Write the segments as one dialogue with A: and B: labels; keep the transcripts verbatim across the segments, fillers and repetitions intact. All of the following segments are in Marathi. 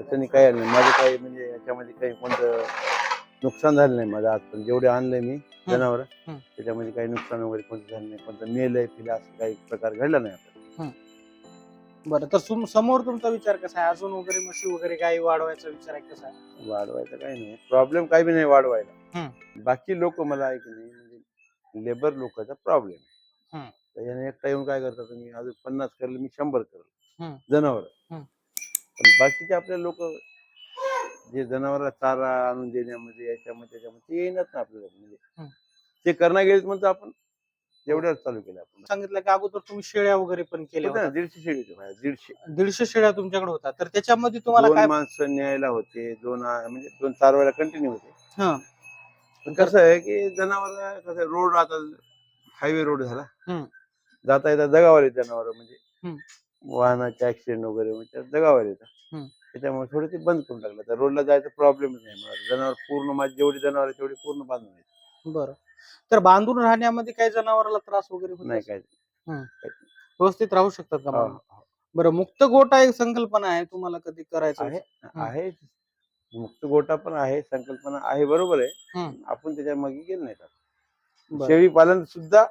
A: अडचणी काही आल्या नाही. माझं काही म्हणजे याच्यामध्ये काही कोणतं नुकसान झालं नाही माझं आजपर्यंत. जेवढे आणले मी जनावर
B: हं.
A: त्याच्यामध्ये काही नुकसान वगैरे कोणतं झालं नाही, कोणतं मेलंय फिलं असं काही प्रकार घडला नाही आपल्याला.
B: बरं, तर तुम समोर तुमचा विचार कसा आहे? अजून वगैरे म्हशी वगैरे गाई वाढवायचा विचार आहे कसा आहे?
A: वाढवायचं काही नाही, प्रॉब्लेम काही बी नाही वाढवायला.
B: हं.
A: बाकी लोक मला आहे की नाही म्हणजे लेबर लोकांचा प्रॉब्लेम
B: हं.
A: त्याच्याने एकटा येऊन काय करतात, तुम्ही अजून पन्नास करले मी शंभर करल
B: हं.
A: जनावर.
B: हं.
A: पण बाकीचे आपले लोक जे जनावराला चारा आणून देण्यामध्ये याच्यामध्ये त्याच्यामध्ये ते येईनच ना आपल्याला.
B: हं.
A: म्हणजे ते करणार गेलेच म्हणतो आपण एवढ्याच चालू केलं आपण.
B: सांगितलं की अगोदर तुम्ही शेळ्या वगैरे पण केल्या
A: होत्या ना,
B: होत्या.
A: दीडशे शेळी होते माझ्या, दीडशे
B: दीडशे शेळ्या तुमच्याकडे होता, तर त्याच्यामध्ये तुम्हाला
A: दोन
B: काय?
A: माणसं न्यायला होते, दोन आ- म्हणजे दोन चारवायला कंटिन्यू होते.
B: हा.
A: पण कसं आहे की जनावर कसं रोड आता हायवे रोड झाला,
B: हं.
A: जाता येता जगावर येत जनावर म्हणजे
B: हं.
A: वाहनाचे ऍक्सिडेंट वगैरे म्हणजे जगावर येतात.
B: हं.
A: त्याच्यामुळे थोडं ते बंद करून टाकलं. तर रोडला जायचा प्रॉब्लेमच नाही मला. जनावर पूर्ण माझी जेवढी जनावर आहे तेवढी पूर्ण बांधून आहेत.
B: बरं, तर बांधून राहण्यामध्ये काही जनावराला त्रास वगैरे होत
A: नाही
B: असेल?
A: काय
B: हं.
A: काहीच नाही.
B: व्यवस्थित राहू शकतात का
A: हो,
B: बांधून?
A: हो.
B: बरं, मुक्त गोठा एक संकल्पना आहे, तुम्हाला कधी करायचं
A: आहे
B: विचार? हं.
A: आहे मुक्त गोठा पण आहे, संकल्पना आहे, बरोबर आहे.
B: हं.
A: आपण त्याच्या मागे गेलो नाही.
B: बरं.
A: शेळी पालन सुद्धा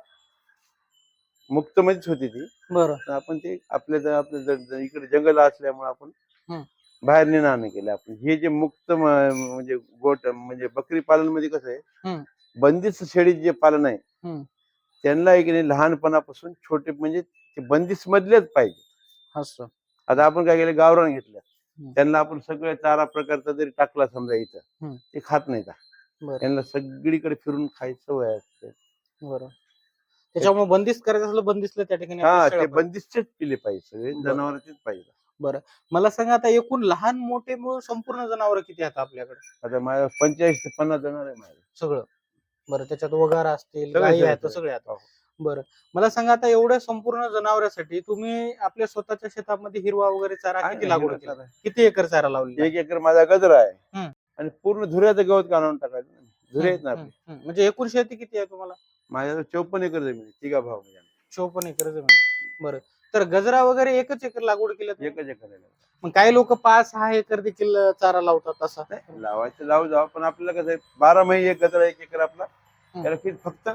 A: मुक्तमध्येच होती ती.
B: बरं.
A: पण आपण ते आपल्या ज- आपल्या ज- ज- इकडे जंगल असल्यामुळे आपण
B: हं.
A: बाहेर नेणार नाही केलं. आपण हे जे मुक्त म- म्हणजे गोट म्हणजे बकरी पालन मध्ये कसं आहे,
B: हं.
A: बंदिस्त शेळी जे पालन आहे
B: हं.
A: त्यांना एक नाही लहानपणापासून छोटे म्हणजे ते बंदिस्त मधलेच पाहिजे.
B: असं.
A: आता आपण काय केलं, गावरान घेतलं,
B: हं.
A: त्यांना आपण सगळ्या चारा प्रकारचा जरी टाकला समजा इथं,
B: हं.
A: ते खात नाहीत.
B: बरं.
A: त्यांना सगळीकडे फिरून खायची सवय असते.
B: बरं, त्याच्यामुळे बंदिस्त करायचं असलं बंदिस्तला त्या ठिकाणी
A: हा,
B: आपल्या
A: ते
B: शेळ्या पाहिजे.
A: बंदिस्तच पिले पाहिजे, सगळे
B: बरं.
A: जनावरांचेच पाहिजे.
B: बरं, मला सांगा आता एकूण लहान मोठे मिळून संपूर्ण जनावर किती आहेत आपल्याकडे?
A: आता माझ्या पंचेचाळीस ते पन्नास जनावर आहे माझ्या.
B: सगळं. बरं, त्याच्यात वगार असतील,
A: सगळे
B: गायी
A: सगळे
B: आहेत,
A: सगळे.
B: सगळे आहेत.
A: हो.
B: बरं, मला सांगा आता एवढ्या संपूर्ण जनावरांसाठी तुम्ही आपल्या स्वतःच्या शेतामध्ये हिरवा वगैरे चारा
A: आहे
B: किती
A: ना,
B: लागवड
A: हिरवा
B: केली?
A: चारा आहे.
B: किती एकर चारा लावलेला
A: एक एकर माझा गजरा आहे.
B: हं.
A: आणि पूर्ण धुऱ्याचं गवत काढून टाकायचं. धुरे आहेत ना
B: हं,
A: आपले.
B: हं, हं. म्हणजे एकूण शेती किती आहे तुम्हाला?
A: माझ्या चौपन्न एकर जमीन आहे, तिघा भाव म्हणजे आम्ही.
B: चोपन्न एकर जमीन आहे. बरं, तर गजरा वगैरे एकच एकर लागवड केली तुम्ही?
A: एकच एकर आहे.
B: मग काही लोक पाच सहा एकर देखील चारा लावतात असा.
A: नाही, लावायचं लावू जाऊ, पण आपल्याला कसं आहे, बारा महिने एक गजरा एक एकर आपला.
B: हं.
A: त्याला फिर फक्त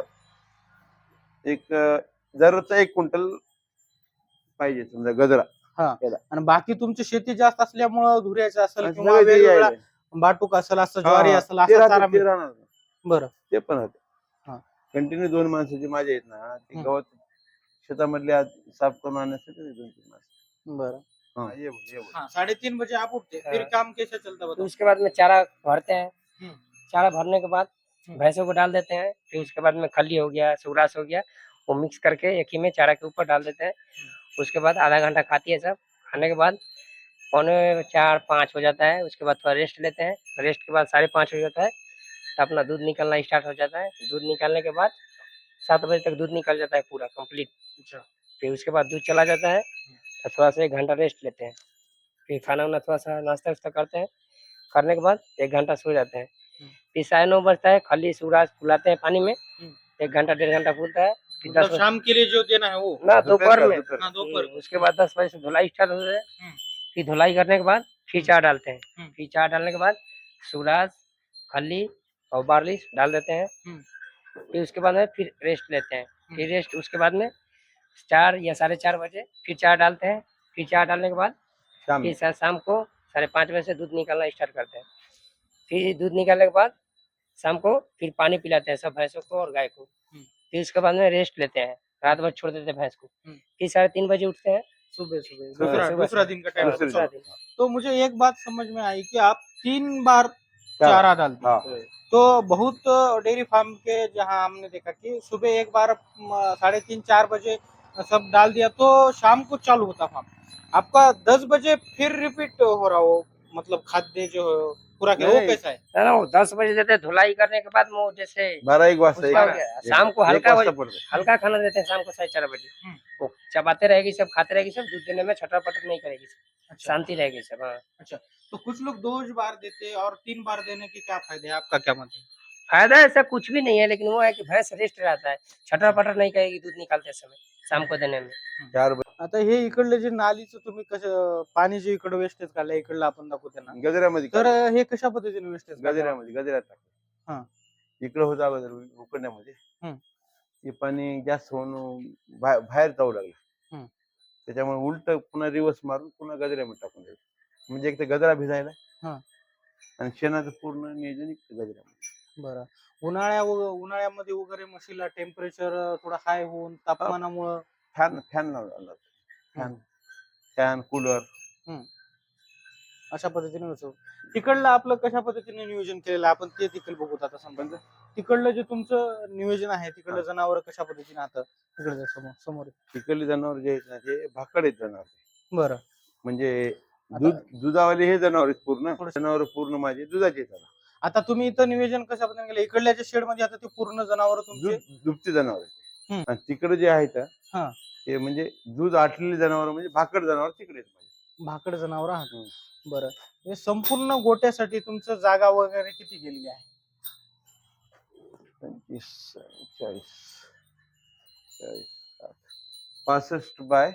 A: एक अं, दररोजचा एक क्विंटल पाहिजे समजा गजरा.
B: हा,
A: त्याला
B: आणि बाकी तुमची शेती जास्त असल्यामुळं धुऱ्याचं असेल
A: आणि
B: किंवा
A: सगळे जे
B: वेगवेगळा
A: आहे,
B: बाटूक असेल, असं
A: हा,
B: ज्वारी
A: हा,
B: असेल,
A: ते
B: असा
A: राहते,
B: चारा
A: ते
B: मिळतो.
A: राहणार.
B: बरं.
A: ते पण राहते.
B: हा.
A: कंटिन्यू दोन माणसाचे माझे आहेत ना, ते
B: हं.
A: गवत शेतामधले आज साफ करून आणण्यासाठी दोन तीन माणसं.
B: बरं.
A: हाँ, ये बोल, ये बोल.
B: हाँ, साढ़े तीन बजे आप उठते, फिर
C: हाँ।
B: काम कैसे चलता
C: तो
B: बताओ?
C: उसके बाद में चारा भरते हैं।
B: हम्म।
C: चारा भरने के बाद
B: हम्म।
C: भैंसों को डाल देते हैं। फिर उसके बाद में खली हो गया, सुग्रास हो गया, वो मिक्स करके एक ही में चारा के ऊपर डाल देते हैं। उसके बाद आधा घंटा खाती है सब। खाने के बाद पौने चार पाँच हो जाता है। उसके बाद थोड़ा रेस्ट लेते हैं। रेस्ट के बाद साढ़े पाँच हो जाता है तो अपना दूध निकलना स्टार्ट हो जाता है। दूध निकालने के बाद सात बजे तक दूध निकल जाता है पूरा कंप्लीट।
B: अच्छा।
C: फिर उसके बाद दूध चला जाता है तो थोड़ा सा एक घंटा रेस्ट लेते हैं। फिर खाना वाना थोड़ा सा नाश्ता वास्ता करते हैं। करने के बाद एक घंटा सो जाते हैं। फिर साढ़े नौ बजता है, खली सूरज फुलाते हैं पानी में। एक घंटा डेढ़ घंटा फूलता है। फिर
B: मतलब
C: दस
B: शाम के लिए जो देना है वो?
C: ना
A: दोपहर
C: दोपहर
A: का,
C: में।
A: दोपहर का।
B: हाँ, दोपहर
C: हम्म, उसके बाद दस बजे से धुलाई स्टार्ट हो जाए।
B: हम्म।
C: फिर धुलाई करने के बाद फिर चार डालते हैं।
B: हम्म।
C: फिर चार डालने के बाद सूरज खली और बार्ली डाल देते हैं।
B: हम्म।
C: फिर उसके बाद में फिर रेस्ट लेते हैं। फिर रेस्ट उसके बाद में चार या साढ़े चार बजे फिर चार डालते हैं। फिर चार डालने के बाद
A: शाम
C: फिर
A: में
C: शा- शाम को साढ़े पाँच बजे से दूध निकालना स्टार्ट करते हैं। फिर दूध निकालने के बाद शाम को फिर पानी पिलाते हैं सब भैंसों को और गाय को। फिर उसके बाद में रेस्ट लेते हैं, रात भर छोड़ देते हैं भैंस को। फिर साढ़े तीन बजे उठते हैं
B: सुबह सुबह
C: हाँ,
B: दूसरा
C: सुबह
B: दूसरा
C: से।
B: दिन का
C: हाँ,
B: टाइम।
C: दूसरा दिन।
B: तो मुझे एक बात समझ में आई कि आप तीन बार चारा डालते हैं।
A: हाँ,
B: तो बहुत डेयरी फार्म के जहाँ हमने देखा कि सुबह एक बार म, साढ़े तीन चार बजे सब डाल दिया तो शाम को चालू होता फार्म। आपका दस बजे फिर रिपीट हो रहा हो, मतलब खाद्य जो पूरा क्या वो
A: नहीं,
B: कैसा है?
C: ना ना वो दस बजे देते हैं धुलाई करने के बाद में वो जैसे
A: बारह एक वाजता
C: उसका हो
A: एक-
C: गया।
A: एक-
C: शाम को
A: एक
C: हल्का
A: वाजता
C: वही-
A: पडतं.
C: हल्का खाना देते हैं शाम को साढ़े चार बजे।
B: हम्म।
C: वो चबाते रहेगी सब, खाते रहेगी सब, दूध देने में छटर पटर नहीं करेगी सब,
B: अच्छा।
C: शांति रहेगी सब। हाँ,
B: अच्छा, तो कुछ लोग दो बार देते हैं और तीन बार देने के क्या फायदे हैं, आपका क्या मत है?
C: फायदा ऐसा कुछ भी नहीं है, लेकिन वो है कि भैंस रेस्ट रहता है, छटर पटर नहीं करेगी दूध निकालते समय शाम को देने में।
A: चार बजे
B: आता हे इकडलं जे नालीचं तुम्ही कसं पाणी जे इकडं वेस्टेज काढलं इकडलं आपण दाखवतो ना,
A: गजऱ्यामध्ये
B: तर
A: काढलं.
B: हे कशा पद्धतीने वेस्टेज
A: गजऱ्यामध्ये गजऱ्यात
B: हा.
A: टाकलं. इकडं होतं अगोदर उकडण्यामध्ये.
B: हम्म.
A: ते पाणी जास्त होऊन बाहेर बाहेर जाऊ लागलं.
B: हम्म.
A: त्याच्यामुळे उलट पुन्हा रिवर्स मारून पुन्हा गजऱ्यामध्ये टाकून द्यायचं. म्हणजे एक तर गजरा भिजायला
B: हा.
A: आणि शेणाचं पूर्ण नियोजन इकडे गजऱ्यामध्ये.
B: बरं. उन्हाळ्या उन्हाळ्यामध्ये वगैरे म्हशीला टेम्परेचर थोडं हाय होऊन तापमानामुळं
A: फॅन फॅन लावला फॅन फॅन कूलर
B: अशा पद्धतीने होतं. तिकडलं आपलं कशा पद्धतीने नियोजन केलेलं आहे आपण ते देखील बघू आता समजा. तिकडलं जे तुमचं नियोजन आहे तिकडलं जनावर कशा पद्धतीने आता तिकडे समोर समोर
A: तिकडले जनावर जे आहेत ना ते भाकड आहेत जनावर.
B: बरं.
A: म्हणजे दूध दुधावाले हे जनावर आहेत पूर्ण. जनावर पूर्ण माझे दुधाचे आहेत.
B: आता तुम्ही इथं नियोजन कशा पद्धतीने केलं इकडल्याच्या शेड मध्ये आता ते पूर्ण जनावर तुमचे
A: दुभते जनावर आहेत. आणि तिकडे जे आहेत
B: हा.
A: ते म्हणजे दूध आटलेले जनावर म्हणजे भाकड जनावर तिकडे आहेत.
B: भाकड जनावर आहात. बरं. हे संपूर्ण गोट्यासाठी तुमचं जागा वगैरे किती गेलेली आहे?
A: पंचवीस चाळीस चाळीस साठ पासष्ट बाय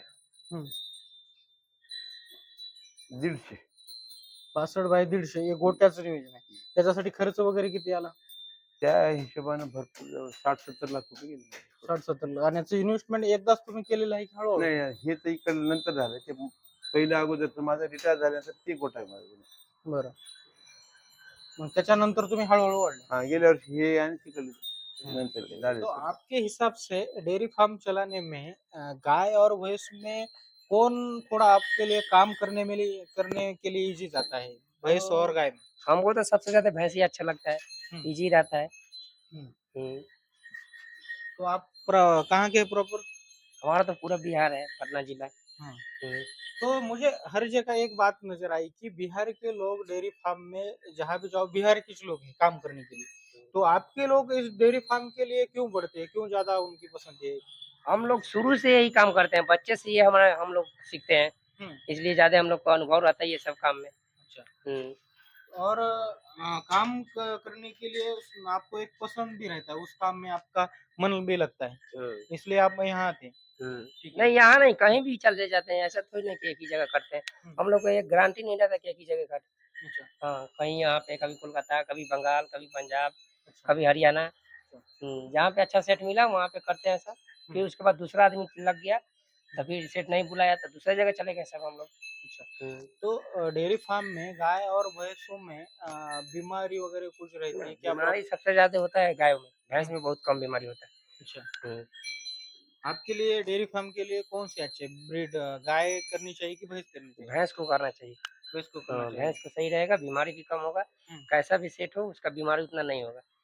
A: दीडशे.
B: पासष्ट बाय दीडशे हे गोट्याचं नियोजन आहे. त्याच्यासाठी खर्च वगैरे किती आला?
A: त्या हिशोबाने भरपूर साठ सत्तर लाख रुपये गेले.
B: साठ सत्तर आणि याचं इन्व्हेस्टमेंट एकदाच तुम्ही केलेलं आहे की हळूहळू?
A: नाही हे तर इकडे नंतर झालं. ते पहिलं अगोदर तर माझं रिटायर झाल्यानंतर ते गोठा आहे माझं.
B: बरं. मग त्याच्यानंतर तुम्ही हळूहळू वाढले.
A: हाँ गेल्या वर्षी हे आणि तिकडे नंतर ते झाले.
B: तो आपके हिसाब से डेयरी फार्म चलाने में अ, गाय और भैंस में कौन थोड़ा आपके लिए काम करने में लिए करने के लिए इजी जाता है, भैंस और गाय में?
C: हमको तो सबसे ज्यादा भैंस ही अच्छा लगता है, इजी रहता है।
B: हम्म।
C: हम्म।
B: तो आप प्र- कहाँ के प्रॉपर?
C: हमारा तो पूरा बिहार है, पटना जिला।
B: हाँ।
C: हम्म।
B: तो मुझे हर जगह एक बात नजर आई कि बिहार के लोग डेयरी फार्म में जहाँ भी जाओ बिहार के लोग हैं काम करने के लिए, तो आपके लोग इस डेयरी फार्म के लिए क्यों बढ़ते हैं, क्यों ज्यादा उनकी पसंद है?
C: हम लोग शुरू से यही काम करते हैं, बच्चे से ये हमारे हम लोग सीखते हैं,
B: हम्म।
C: इसलिए ज्यादा हम लोग को अनुभव रहता है ये सब काम में।
B: अच्छा।
C: हम्म।
B: और अ, काम क- करने के लिए उस- आपको एक पसंद भी रहता है, उस काम में आपका मन भी लगता है, इसलिए आप यहाँ आते हैं। ठीक है।
C: नहीं यहाँ नहीं, कहीं भी चले जाते हैं, ऐसा थोड़ी नहीं कि एक ही जगह करते हैं।
B: हम्म।
C: हम लोग को एक गारंटी नहीं रहता कि एक ही जगह करते।
B: अच्छा।
C: हाँ, कहीं यहाँ पे, कभी कोलकाता, कभी बंगाल, कभी पंजाब,
B: अच्छा।
C: कभी हरियाणा। हम्म, जहाँ पे अच्छा सेट मिला वहाँ पे करते हैं सब। फिर उसके बाद दूसरा आदमी लग गया तो फिर सेट नहीं बुलाया तो दूसरी जगह चले गए सब हम लोग।
B: अच्छा।
C: हम्म।
B: तो अ, डेयरी फार्म में गाय और भैंसों में अ, बीमारी वगैरह कुछ रहती है क्या?
C: बीमारी सबसे ज्यादा होता है गायों में, भैंस में बहुत कम बीमारी होता है।
B: अच्छा।
C: हम्म।
B: आपके लिए डेयरी फार्म के लिए कौन सी अच्छी ब्रीड, गाय करनी चाहिए कि भैंस करनी चाहिए?
C: भैंस को करना चाहिए।
B: भैंस को करना
C: हाँ,
B: चाहिए।
C: भैंस को सही रहेगा, बीमारी भी कम होगा,
B: हम्म।
C: कैसा भी सेट हो उसका बीमारी उतना नहीं होगा।